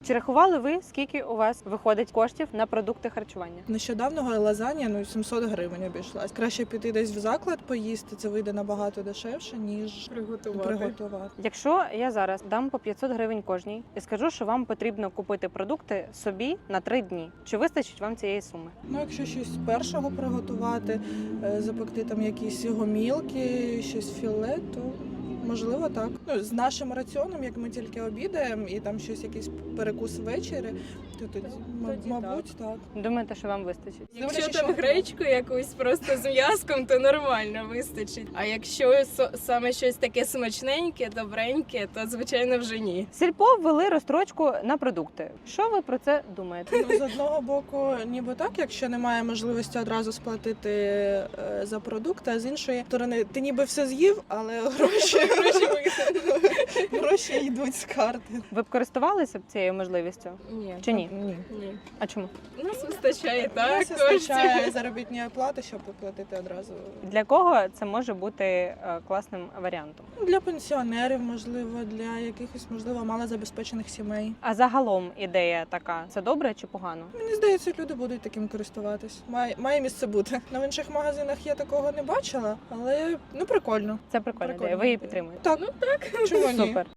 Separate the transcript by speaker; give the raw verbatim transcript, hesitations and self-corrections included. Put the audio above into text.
Speaker 1: Чи рахували ви, скільки у вас виходить коштів на продукти харчування?
Speaker 2: Нещодавно лазанья, ну, сімсот гривень обійшлась. Краще піти десь в заклад поїсти, це вийде набагато дешевше, ніж
Speaker 3: Приготувати.
Speaker 2: приготувати.
Speaker 1: Якщо я зараз дам по п'ятсот гривень кожній і скажу, що вам потрібно купити продукти собі на три дні, чи вистачить вам цієї суми?
Speaker 2: Ну, якщо щось першого приготувати, е, запекти там якісь гомілки, щось філе, то можливо так. Ну, з нашим раціоном, як ми тільки обідаємо, і там щось, якийсь перекус ввечері, то тоді, м-
Speaker 3: Тоді
Speaker 2: мабуть, так.
Speaker 1: Думаєте, що вам вистачить?
Speaker 3: Якщо
Speaker 2: Дивлячись,
Speaker 3: там
Speaker 2: що-
Speaker 3: гречку якусь просто з м'язком, то нормально вистачить. А якщо со- саме щось таке смачненьке, добреньке, то звичайно вже ні.
Speaker 1: Сільпо ввели розстрочку на продукти. Що ви про це думаєте?
Speaker 2: Ну, з одного боку, ніби так, якщо немає можливості одразу сплатити е, за продукти, а з іншої сторони, ти ніби все з'їв, але гроші, гроші йдуть з карти.
Speaker 1: Ви б користувалися б цією можливістю?
Speaker 3: Ні.
Speaker 1: Чи ні?
Speaker 2: Ні.
Speaker 3: Ні.
Speaker 1: А чому?
Speaker 3: У нас вистачає так
Speaker 2: Так, вистачає
Speaker 3: коштів.
Speaker 2: заробітної плати, щоб оплатити одразу.
Speaker 1: Для кого це може бути е, класним варіантом?
Speaker 2: Для пенсіонерів, можливо, для якихось, можливо, малозабезпечених сімей.
Speaker 1: А загалом ідея така: це добре чи погано?
Speaker 2: Мені здається, люди будуть таким користуватись. Має, має місце бути. На інших магазинах я такого не бачила, але ну прикольно.
Speaker 1: Це прикольна
Speaker 2: Прикольна
Speaker 1: ідея. Ви її
Speaker 2: ідея.
Speaker 1: підтримуєте?
Speaker 2: Так, чому ні?
Speaker 1: Супер.